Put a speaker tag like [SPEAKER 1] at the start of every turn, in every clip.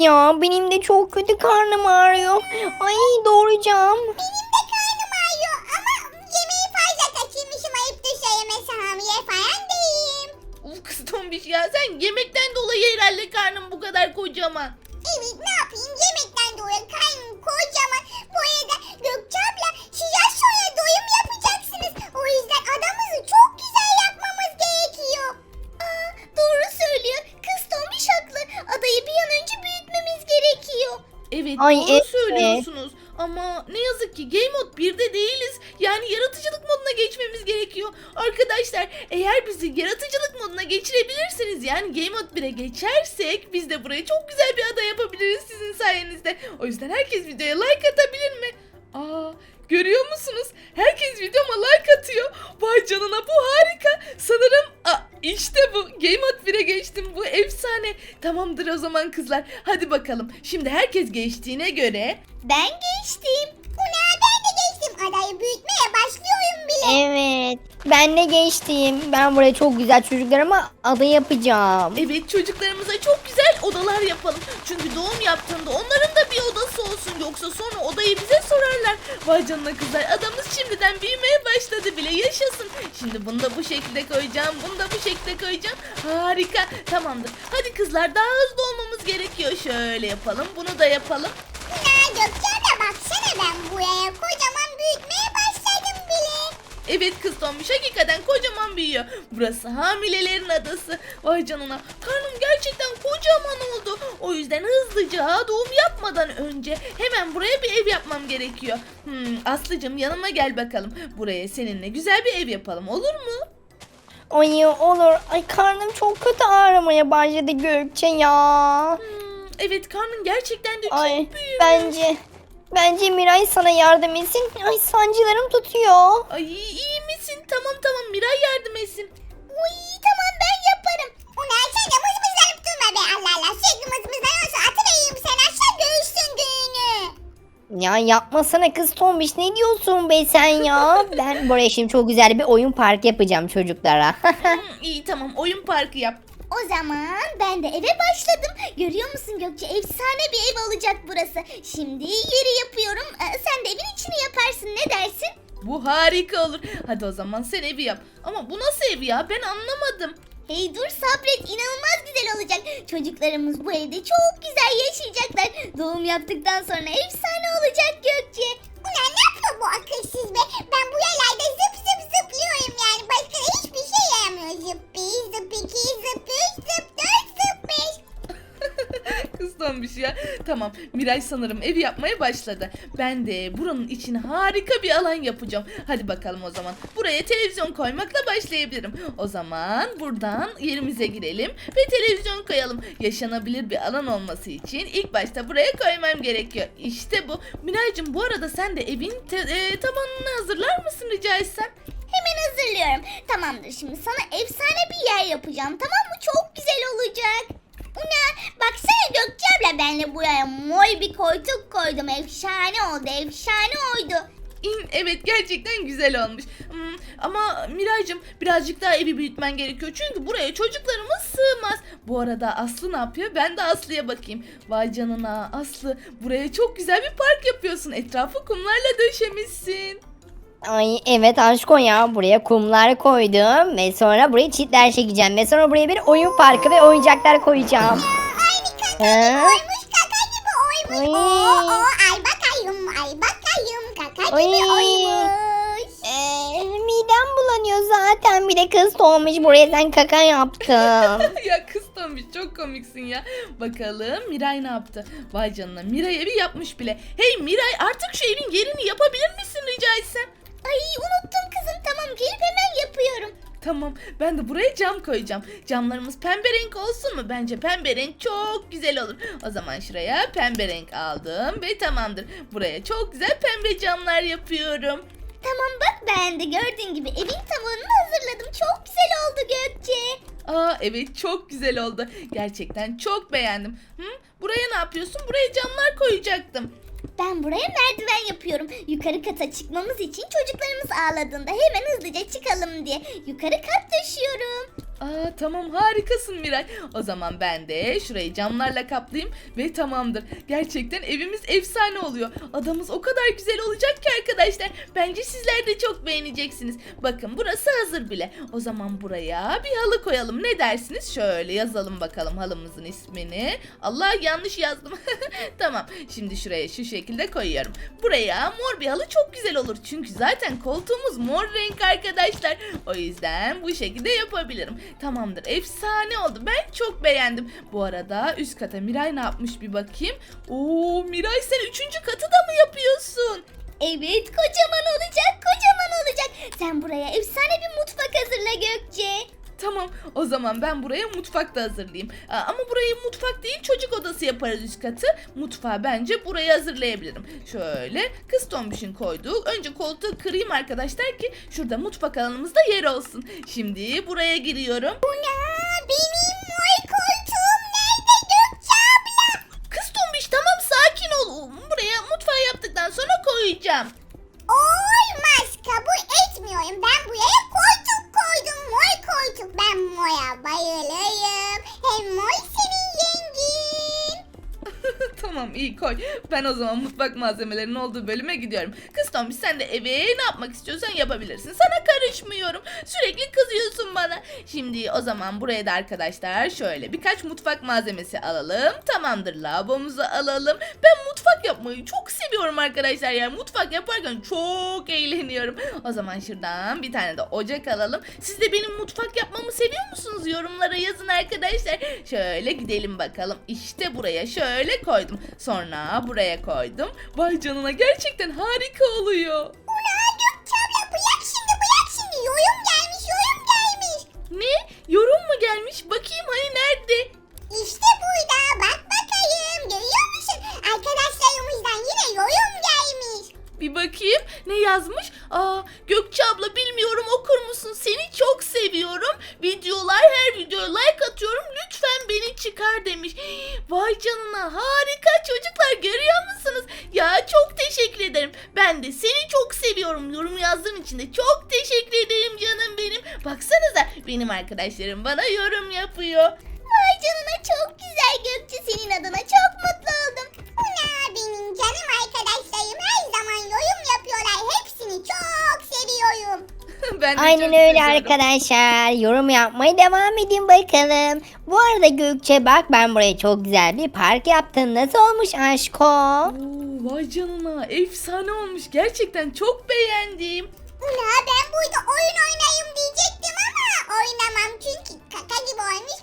[SPEAKER 1] ya. Benim de çok kötü karnım ağrıyor. Ay doğuracağım.
[SPEAKER 2] Benim de karnım ağrıyor ama yemeği fazla kaçırmışım, ayıptır söylemesi, hamile falan değilim.
[SPEAKER 3] Uf kız tombiş ya, sen yemekten dolayı herhalde karnın bu kadar kocaman.
[SPEAKER 2] Evet, ne yapayım, yemekten dolayı karnım kocaman. Bu arada Gökçe abla, siz az sonra doyum yapacaksınız. O yüzden adamızı çok güzel yapmamız gerekiyor. Aa, doğru söylüyor. Kız tombiş haklı. Adayı bir an önce büyütmemiz gerekiyor.
[SPEAKER 3] Evet,
[SPEAKER 1] Ay,
[SPEAKER 3] doğru
[SPEAKER 1] evet.
[SPEAKER 3] söylüyorsunuz. Ama ne yazık ki Game Mode 1'de değiliz. Yani yaratıcılık moduna geçmemiz gerekiyor. Arkadaşlar, eğer bizi yaratıcılık moduna geçirebilirsiniz, yani Game Mode 1'e geçersek biz de buraya çok güzel bir ada yapabiliriz sizin sayenizde. O yüzden herkes videoya like atabilir mi? Aa, görüyor musunuz? Herkes videoma like atıyor. Vay canına, bu harika. Sanırım işte bu. Game Mode 1'e geçtim. Bu efsane. Tamamdır o zaman kızlar. Hadi bakalım. Şimdi herkes geçtiğine göre
[SPEAKER 2] Ben geçtim. Ula, ben de geçtim. Adayı büyütmeye başlıyorum bile.
[SPEAKER 1] Evet. Ben de geçtim. Ben buraya çok güzel çocuklarıma ada yapacağım.
[SPEAKER 3] evet, çocuklarımıza çok güzel odalar yapalım. Çünkü doğum yaptığında onların da bir odası olsun. Yoksa sonra odayı bize sorarlar. Vay canına kızlar, adamız şimdiden büyümeye başladı bile, yaşasın. Şimdi bunu da bu şekilde koyacağım. Bunu da bu şekilde koyacağım. Harika, tamamdır. Hadi kızlar, daha hızlı olmamız gerekiyor. Şöyle yapalım, bunu da yapalım.
[SPEAKER 2] Ula Gökçe abla, baksana, ben buraya kocaman büyütmeye başladım bile.
[SPEAKER 3] Evet kız tombiş, hakikaten kocaman büyüyor. Burası hamilelerin adası. Vay canına, karnım gerçekten kocaman oldu. O yüzden hızlıca doğum yapmadan önce hemen buraya bir ev yapmam gerekiyor. Aslıcığım, yanıma gel bakalım. Buraya seninle güzel bir ev yapalım, olur mu?
[SPEAKER 1] Ay olur. Ay karnım çok kötü ağrımaya başladı Gökçe ya.
[SPEAKER 3] Evet, karnın gerçekten de çok
[SPEAKER 1] Ay
[SPEAKER 3] büyük.
[SPEAKER 1] bence Miray sana yardım etsin. Ay sancılarım tutuyor.
[SPEAKER 3] Ay, iyi misin? Tamam, Miray yardım etsin.
[SPEAKER 2] Uy, tamam, ben yaparım. Ula sen de mızmızlanıp durma be, Allah Allah. Sürekli mızmızlan olsa atıvereyim sen aşağı, göğüsün günü.
[SPEAKER 1] Ya yapmasana kız tombiş, ne diyorsun be sen ya? Ben buraya şimdi çok güzel bir oyun parkı yapacağım çocuklara.
[SPEAKER 3] İyi, tamam, oyun parkı yap.
[SPEAKER 2] O zaman ben de eve başladım. Görüyor musun Gökçe? Efsane bir ev olacak burası. Şimdi yeri yapıyorum. Sen de evin içini yaparsın. Ne dersin?
[SPEAKER 3] Bu harika olur. Hadi o zaman sen evi yap. Ama bu nasıl ev ya? Ben anlamadım.
[SPEAKER 2] Hey dur, sabret. İnanılmaz güzel olacak. Çocuklarımız bu evde çok güzel yaşayacaklar. Doğum yaptıktan sonra efsane olacak Gökçe. Ulan ne yapıyor bu akılsız be? Ben bu yerlerde zıp zıp zıplıyorum yani. Başka hiçbir şey yaramıyor. Zıp bir, zıp iki, zıp üç, zıp dört, zıp beş.
[SPEAKER 3] Kız tombiş ya. Tamam, Miray sanırım evi yapmaya başladı. Ben de buranın için harika bir alan yapacağım. Hadi bakalım o zaman. Buraya televizyon koymakla başlayabilirim. O zaman buradan yerimize girelim ve televizyon koyalım. Yaşanabilir bir alan olması için ilk başta buraya koymam gerekiyor. İşte bu. Miraycığım, bu arada sen de evin tabanını hazırlar mısın rica etsem?
[SPEAKER 2] Hemen hazırlıyorum. Tamamdır, şimdi sana efsane bir yer yapacağım. Tamam mı? Çok güzel olacak. Una, baksana Gökçe abla, benle buraya mor bir koltuk koydum. Efsane oldu, efsane oldu.
[SPEAKER 3] Evet, gerçekten güzel olmuş. Ama Miraycığım, birazcık daha evi büyütmen gerekiyor. Çünkü buraya çocuklarımız sığmaz. Bu arada Aslı ne yapıyor? Ben de Aslı'ya bakayım. Vay canına Aslı, buraya çok güzel bir park yapıyorsun. Etrafı kumlarla döşemişsin.
[SPEAKER 1] Ay evet aşkım ya, buraya kumlar koydum ve sonra buraya çitler çekeceğim ve sonra buraya bir oyun parkı ve oyuncaklar koyacağım.
[SPEAKER 2] Aynı kaka
[SPEAKER 1] Ha?
[SPEAKER 2] gibi oymuş, kaka gibi oymuş.
[SPEAKER 1] Ay.
[SPEAKER 2] Ay bakayım, ay bakayım, kaka
[SPEAKER 1] Ay.
[SPEAKER 2] gibi oymuş.
[SPEAKER 1] Midem bulanıyor zaten, bir de kız olmuş buraya sen kaka yaptın.
[SPEAKER 3] Ya kız Tombiş, çok komiksin ya. Bakalım Miray ne yaptı? Vay canına, Miray evi yapmış bile. Hey Miray, artık şu evin yerini yapabilir misin rica etsem?
[SPEAKER 2] Ay unuttum kızım, tamam, gelip hemen yapıyorum.
[SPEAKER 3] Tamam, ben de buraya cam koyacağım. Camlarımız pembe renk olsun mu? Bence pembe renk çok güzel olur. O zaman şuraya pembe renk aldım ve tamamdır. Buraya çok güzel pembe camlar yapıyorum.
[SPEAKER 2] Tamam bak, ben de gördüğün gibi evin tavanını hazırladım. Çok güzel oldu Gökçe.
[SPEAKER 3] Aa evet, çok güzel oldu. Gerçekten çok beğendim. Buraya ne yapıyorsun? Buraya camlar koyacaktım.
[SPEAKER 2] Ben buraya merdiven yapıyorum. Yukarı kata çıkmamız için çocuklarımız ağladığında hemen hızlıca çıkalım diye yukarı kat taşıyorum.
[SPEAKER 3] Aa, tamam harikasın Miray. O zaman ben de şurayı camlarla kaplayayım ve tamamdır. Gerçekten evimiz efsane oluyor. Adamız o kadar güzel olacak ki arkadaşlar. Bence sizler de çok beğeneceksiniz. Bakın burası hazır bile. O zaman buraya bir halı koyalım. Ne dersiniz? Şöyle yazalım bakalım halımızın ismini. Allah yanlış yazdım. Tamam. Şimdi şuraya şu şekilde koyuyorum. Buraya mor bir halı çok güzel olur. Çünkü zaten koltuğumuz mor renk arkadaşlar. O yüzden bu şekilde yapabilirim. Tamamdır. Efsane oldu. Ben çok beğendim. Bu arada üst kata Miray ne yapmış bir bakayım. Oo Miray sen 3. katı da mı yapıyorsun?
[SPEAKER 2] Evet, kocaman olacak, kocaman olacak. Sen buraya efsane bir mutfak hazırla Gökçe.
[SPEAKER 3] Tamam o zaman ben buraya mutfak da hazırlayayım. Ama burayı mutfak değil çocuk odası yaparız üst katı. Mutfağı bence buraya hazırlayabilirim. Şöyle kız tombişin koyduğu. Önce koltuğu kırayım arkadaşlar ki şurada mutfak alanımızda yer olsun. Şimdi buraya giriyorum.
[SPEAKER 2] Benim mor koltuğum nerede Gökçe abla?
[SPEAKER 3] Kız tombiş tamam sakin ol. Buraya mutfağı yaptıktan sonra koyacağım.
[SPEAKER 2] Olmaz, kabul etmiyorum. Ben buraya koltuk koydum, mor koltuk. Ben mora bayılırım. Hem mor senin yengin.
[SPEAKER 3] Tamam iyi koy. Ben o zaman mutfak malzemelerinin olduğu bölüme gidiyorum. Kız tombiş sen de eve ne yapmak istiyorsan yapabilirsin. Sana karışmıyorum. Sürekli kızıyorsun bana. Şimdi o zaman buraya da arkadaşlar şöyle birkaç mutfak malzemesi alalım. Tamamdır lavabomuzu alalım. Ben mutfak yapmayı çok seviyorum arkadaşlar. Yani mutfak yaparken çok eğleniyorum. O zaman şuradan bir tane de ocak alalım. Siz de benim mutfak yapmamı seviyor musunuz? Yorumlara yazın arkadaşlar. Şöyle gidelim bakalım. İşte buraya şöyle koydum. Sonra buraya koydum. Vay canına gerçekten harika oluyor.
[SPEAKER 2] Ula Gökçe abla, bırak şimdi. Yorum gelmiş.
[SPEAKER 3] Ne? Yorum mu gelmiş? Bakayım hani nerede?
[SPEAKER 2] İşte burada, bak bakayım. Görüyor musun? Arkadaşlarımızdan yine yorum gelmiş.
[SPEAKER 3] Bir bakayım ne yazmış? Gökçe abla bilmiyorum okur musun? Seni çok seviyorum. Her videoya like atıyorum. Lütfen beni çıkar demiş. Vay canına harika çocuklar görüyor musunuz? Ya çok teşekkür ederim. Ben de seni çok seviyorum. Yorum yazdığın için de çok teşekkür ederim canım benim. Baksanıza benim arkadaşlarım bana yorum yapıyor.
[SPEAKER 2] Vay canına, çok güzel Gökçe. Senin adına çok mutlu oldum. Ula benim canım arkadaşlarım her zaman yorum yapıyorlar. Hepsini çok seviyorum.
[SPEAKER 3] Ben de
[SPEAKER 1] Aynen
[SPEAKER 3] çok
[SPEAKER 1] öyle
[SPEAKER 3] seviyorum.
[SPEAKER 1] arkadaşlar. Yorum yapmaya devam edin bakalım. Bu arada Gökçe bak ben buraya çok güzel bir park yaptım. Nasıl olmuş aşko?
[SPEAKER 3] Oo, vay canına efsane olmuş. Gerçekten çok beğendim.
[SPEAKER 2] Ula ben burada oyun oynayayım diyecektim ama oynamam çünkü kaka gibi olmuş.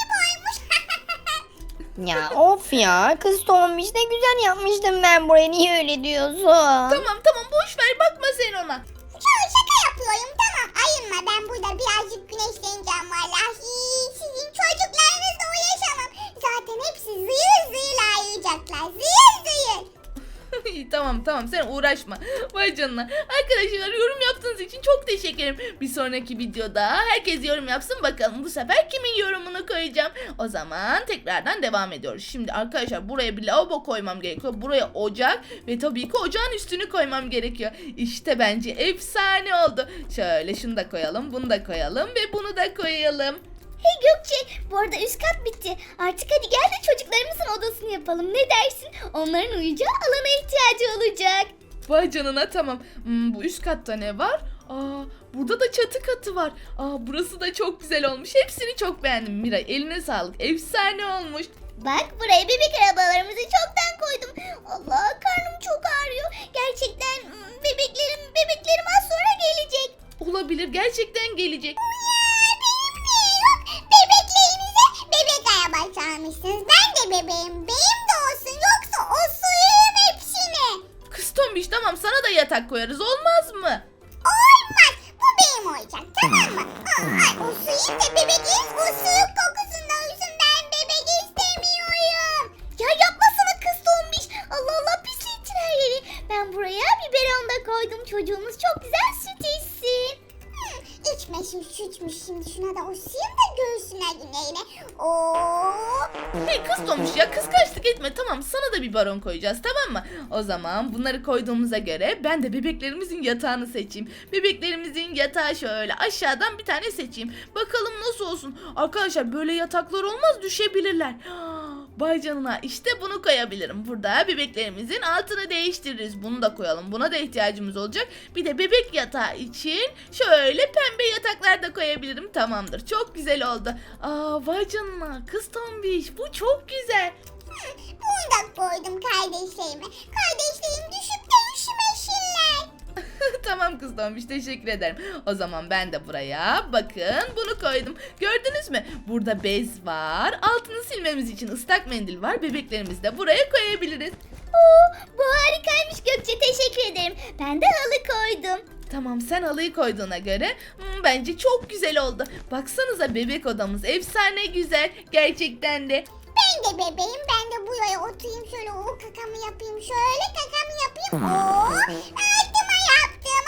[SPEAKER 1] Ya of ya kız tombiş ne güzel yapmıştım ben burayı. Niye öyle diyorsun?
[SPEAKER 3] Tamam boş ver bakma sen ona.
[SPEAKER 2] Şaka yapıyorum, tamam ayınma, ben burada birazcık güneşleneceğim vallahi. Sizin çocuklarınızla uğraşamam. Zaten hepsi zıyır zıyır ağlayacaklar. Zıyır.
[SPEAKER 3] İyi, tamam sen uğraşma. Vay canına. Arkadaşlar yorum yaptığınız için çok teşekkür ederim. Bir sonraki videoda herkes yorum yapsın bakalım. Bu sefer kimin yorumunu koyacağım. O zaman tekrardan devam ediyoruz. Şimdi arkadaşlar buraya bir lavabo koymam gerekiyor. Buraya ocak ve tabii ki ocağın üstünü koymam gerekiyor. İşte bence efsane oldu. Şöyle şunu da koyalım, bunu da koyalım ve bunu da koyalım.
[SPEAKER 2] Hey Gökçe, bu arada üst kat bitti. Artık hadi gel de çocuklarımızın odasını yapalım. Ne dersin? Onların uyuyacağı alana ihtiyacı olacak.
[SPEAKER 3] Vay canına tamam. Bu üst katta ne var? Burada da çatı katı var. Burası da çok güzel olmuş. Hepsini çok beğendim Miray. Eline sağlık. Efsane olmuş.
[SPEAKER 2] Bak buraya bebek arabalarımızı çoktan koydum. Allah, karnım çok ağrıyor. Gerçekten bebeklerim az sonra gelecek.
[SPEAKER 3] Olabilir. Gerçekten gelecek.
[SPEAKER 2] Bebeklerinize bebek araba çalmışsınız. Ben de bebeğim. Benim de olsun. Yoksa osurayım hepsini.
[SPEAKER 3] Kız tombiş tamam sana da yatak koyarız. Olmaz mı?
[SPEAKER 2] Olmaz. Bu benim olacak. Tamam mı? Osurayım da bebeğin osuruk kokusundan uyusun. Ben bebek istemiyorum. Ya yapmasana kız tombiş. Allah Allah, pislettin her yeri. Ben buraya biberon da koydum. Çocuğumuz çok güzel süt içsin. İçmesin sütmüş şimdi şuna da osayım da göğsüne yine. Oo.
[SPEAKER 3] Hey kız Tomuş ya, kıskançlık etme, tamam, sana da bir baron koyacağız, tamam mı? O zaman bunları koyduğumuza göre ben de bebeklerimizin yatağını seçeyim. Bebeklerimizin yatağı şöyle aşağıdan bir tane seçeyim. Bakalım nasıl olsun. Arkadaşlar böyle yataklar olmaz, düşebilirler. Vay canına, işte bunu koyabilirim. Burada bebeklerimizin altını değiştiririz. Bunu da koyalım. Buna da ihtiyacımız olacak. Bir de bebek yatağı için şöyle pembe yataklar da koyabilirim. Tamamdır. Çok güzel oldu. Vay canına, kız Tombiş, bu çok güzel.
[SPEAKER 2] Bunu da koydum kardeşlerime. Kardeşlerim düşüp de üşümesinler.
[SPEAKER 3] Tamam kız Tombiş, teşekkür ederim. O zaman ben de buraya bakın bunu koydum. Gördünüz mü? Burada bez var. Altını silmemiz için ıslak mendil var. Bebeklerimizi de buraya koyabiliriz.
[SPEAKER 2] Oo, bu harikaymış Gökçe, teşekkür ederim. Ben de halı koydum.
[SPEAKER 3] Tamam, sen halıyı koyduğuna göre bence çok güzel oldu. Baksanıza, bebek odamız efsane güzel. Gerçekten de.
[SPEAKER 2] Ben de bebeğim, ben de buraya oturayım şöyle, o kakamı yapayım, şöyle kakamı yapayım. Oo, altıma yaptım,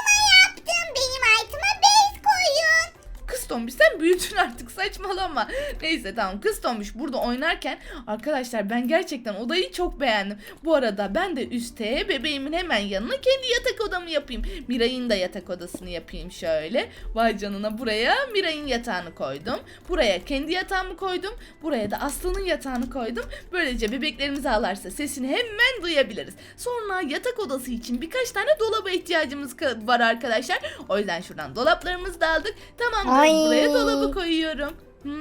[SPEAKER 2] benim altıma bez koyun.
[SPEAKER 3] Kız Tombiş, sen büyüdün artık, saçmalama. Neyse tamam, kız Tombiş burada oynarken arkadaşlar ben gerçekten odayı çok beğendim. Bu arada ben de üste bebeğimin hemen yanına kendi yatak odamı yapayım. Miray'ın da yatak odasını yapayım şöyle. Vay canına, buraya Miray'ın yatağını koydum. Buraya kendi yatağımı koydum. Buraya da Aslı'nın yatağını koydum. Böylece bebeklerimiz ağlarsa sesini hemen duyabiliriz. Sonra yatak odası için birkaç tane dolaba ihtiyacımız var arkadaşlar. O yüzden şuradan dolaplarımızı da aldık. Tamamdır.
[SPEAKER 1] Ay.
[SPEAKER 3] Buraya dolabı koyuyorum.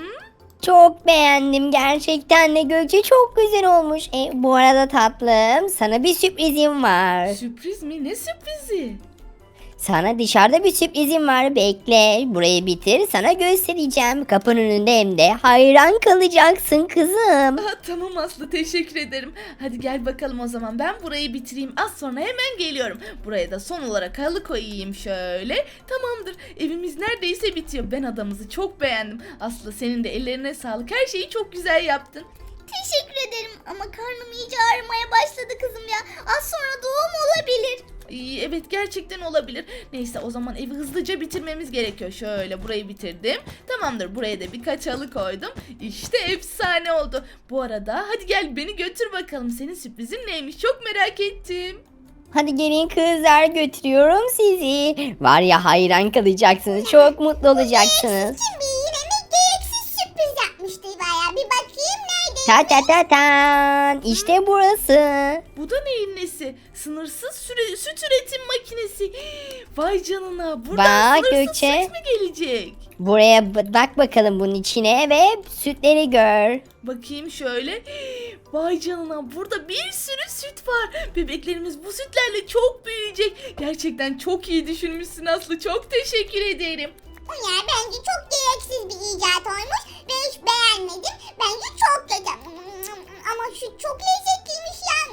[SPEAKER 1] Çok beğendim gerçekten de Gökçe, çok güzel olmuş. Bu arada tatlım, sana bir sürprizim var.
[SPEAKER 3] Sürpriz mi? Ne sürprizi?
[SPEAKER 1] Sana dışarıda bir sürprizim var, bekle. Burayı bitir, sana göstereceğim. Kapının önünde hem de, hayran kalacaksın kızım.
[SPEAKER 3] Tamam Aslı, teşekkür ederim. Hadi gel bakalım o zaman, ben burayı bitireyim. Az sonra hemen geliyorum. Buraya da son olarak halı koyayım şöyle. Tamamdır. Evimiz neredeyse bitiyor. Ben adamızı çok beğendim. Aslı, senin de ellerine sağlık. Her şeyi çok güzel yaptın.
[SPEAKER 2] Teşekkür ederim ama karnım iyice ağrımaya başladı kızım ya. Az sonra doğum olabilir.
[SPEAKER 3] Evet, gerçekten olabilir. Neyse, o zaman evi hızlıca bitirmemiz gerekiyor. Şöyle burayı bitirdim. Tamamdır, buraya da birkaç halı koydum. İşte efsane oldu. Bu arada hadi gel, beni götür bakalım. Senin sürprizin neymiş, çok merak ettim.
[SPEAKER 1] Hadi gelin kızlar, götürüyorum sizi. Var ya, hayran kalacaksınız, çok mutlu olacaksınız.
[SPEAKER 2] Şimdi yine mi gereksiz sürpriz yapmıştı bayağı, bir bakayım nerede?
[SPEAKER 1] Ta ta ta ta, işte burası.
[SPEAKER 3] Bu da neyin nesi? Sınırsız süt üretim makinesi. Vay canına, buradan
[SPEAKER 1] Bak
[SPEAKER 3] sınırsız
[SPEAKER 1] Gökçe.
[SPEAKER 3] süt mü gelecek?
[SPEAKER 1] Buraya bak bakalım bunun içine ve sütleri gör.
[SPEAKER 3] Bakayım şöyle. Vay canına, burada bir sürü süt var. Bebeklerimiz bu sütlerle çok büyüyecek. Gerçekten çok iyi düşünmüşsün Aslı. Çok teşekkür ederim.
[SPEAKER 2] Ya bence çok gereksiz bir icat olmuş. Ben hiç beğenmedim. Bence çok kötü. Ama şu çok lezzetliymiş ya.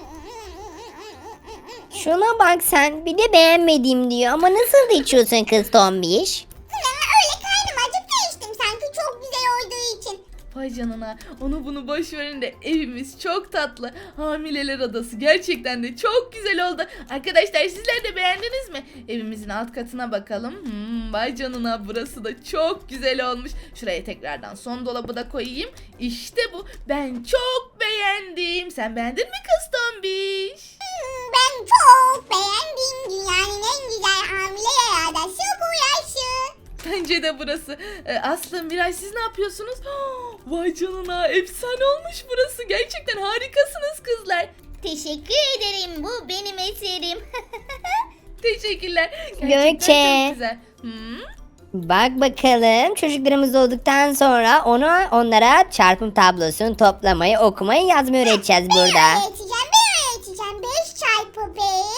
[SPEAKER 1] Şuna bak sen, bir de beğenmedim diyor. Ama nasıl da içiyorsun kız Tombiş?
[SPEAKER 2] Öyle karnım acıktı, içtim sanki çok güzel olduğu için.
[SPEAKER 3] Vay canına, onu bunu boş verin de evimiz çok tatlı. Hamileler odası gerçekten de çok güzel oldu. Arkadaşlar, sizler de beğendiniz mi? Evimizin alt katına bakalım. Vay canına, burası da çok güzel olmuş. Şuraya tekrardan son dolabı da koyayım. İşte bu. Ben çok beğendim. Sen beğendin mi kız Tombiş?
[SPEAKER 2] Ben çok beğendim. Dünyanın en güzel hamile yer adası bu yaşı.
[SPEAKER 3] Bence de burası. Aslı, Miray, siz ne yapıyorsunuz? Vay canına, efsane olmuş burası. Gerçekten harikasınız kızlar.
[SPEAKER 2] Teşekkür ederim. Bu benim eserim.
[SPEAKER 3] Teşekkürler. Gerçekten
[SPEAKER 1] Gökçe.
[SPEAKER 3] çok güzel.
[SPEAKER 1] Bak bakalım, çocuklarımız olduktan sonra onlara çarpım tablosunu toplamayı, okumayı, yazmayı öğreteceğiz burada.
[SPEAKER 2] Ben öğreteceğim. 5 çarpı 5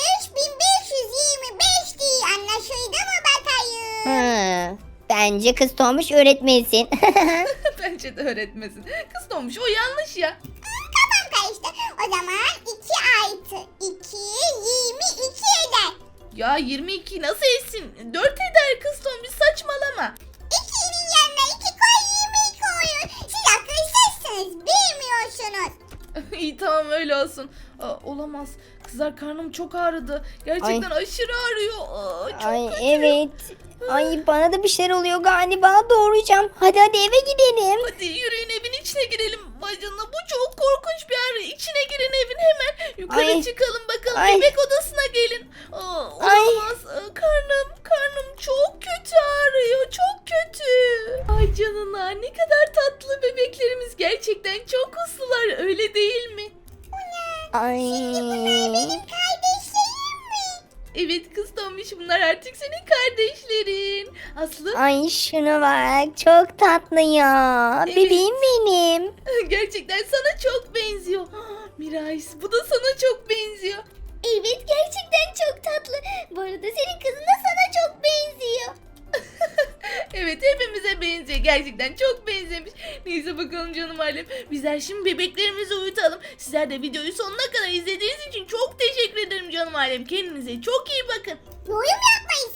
[SPEAKER 2] 1525 değil. Anlaşıldı mı bakayım?
[SPEAKER 1] Bence kız Tombiş öğretmesin.
[SPEAKER 3] Bence de öğretmesin. Kız Tombiş, o yanlış ya.
[SPEAKER 2] Kafam karıştı. O zaman 2 artı 2 22 eder.
[SPEAKER 3] Ya 22 nasıl etsin? 4 eder kız Tombiş, saçmalama.
[SPEAKER 2] 2'nin yanına 2 koy 22 koyun. Siz akılsızsınız, bilmiyorsunuz.
[SPEAKER 3] İyi, tamam, öyle olsun. Olamaz. Kızlar, karnım çok ağrıdı. Gerçekten aşırı ağrıyor. Çok
[SPEAKER 1] Ay
[SPEAKER 3] kötü.
[SPEAKER 1] evet. Ay bana da bir şeyler oluyor galiba. Doğuracağım. Hadi eve gidelim.
[SPEAKER 3] Hadi yürüyün evin içine girelim. Bacana bu çok korkunç bir yer. İçine girin evin hemen. Yukarı
[SPEAKER 1] Ay.
[SPEAKER 3] çıkalım bakalım.
[SPEAKER 1] Ay.
[SPEAKER 3] Bebek odasına gelin.
[SPEAKER 1] Ay.
[SPEAKER 3] Olamaz. Karnım çok kötü ağrıyor. Çok kötü. Ay canına ne kadar tatlı bebeklerimiz. Gerçekten çok uslular öyle değil mi?
[SPEAKER 1] Ay.
[SPEAKER 2] Kardeşlerim mi?
[SPEAKER 3] Evet kız Tombiş bunlar artık senin kardeşlerin. Aslı
[SPEAKER 1] Ay şuna bak. Çok tatlı ya.
[SPEAKER 3] Evet.
[SPEAKER 1] Bebeğim benim.
[SPEAKER 3] gerçekten sana çok benziyor. Miray bu da sana çok benziyor.
[SPEAKER 2] Evet gerçekten çok tatlı. Bu arada senin kızın da sana çok benziyor.
[SPEAKER 3] Evet hepimize benziyor. Gerçekten çok benzemiş. Neyse bakalım canım ailem. Bizler şimdi bebeklerimizi uyutalım. Sizler de videoyu sonuna kadar izlediğiniz için çok teşekkür ederim canım ailem. Kendinize çok iyi bakın.
[SPEAKER 2] Yorum yapmayı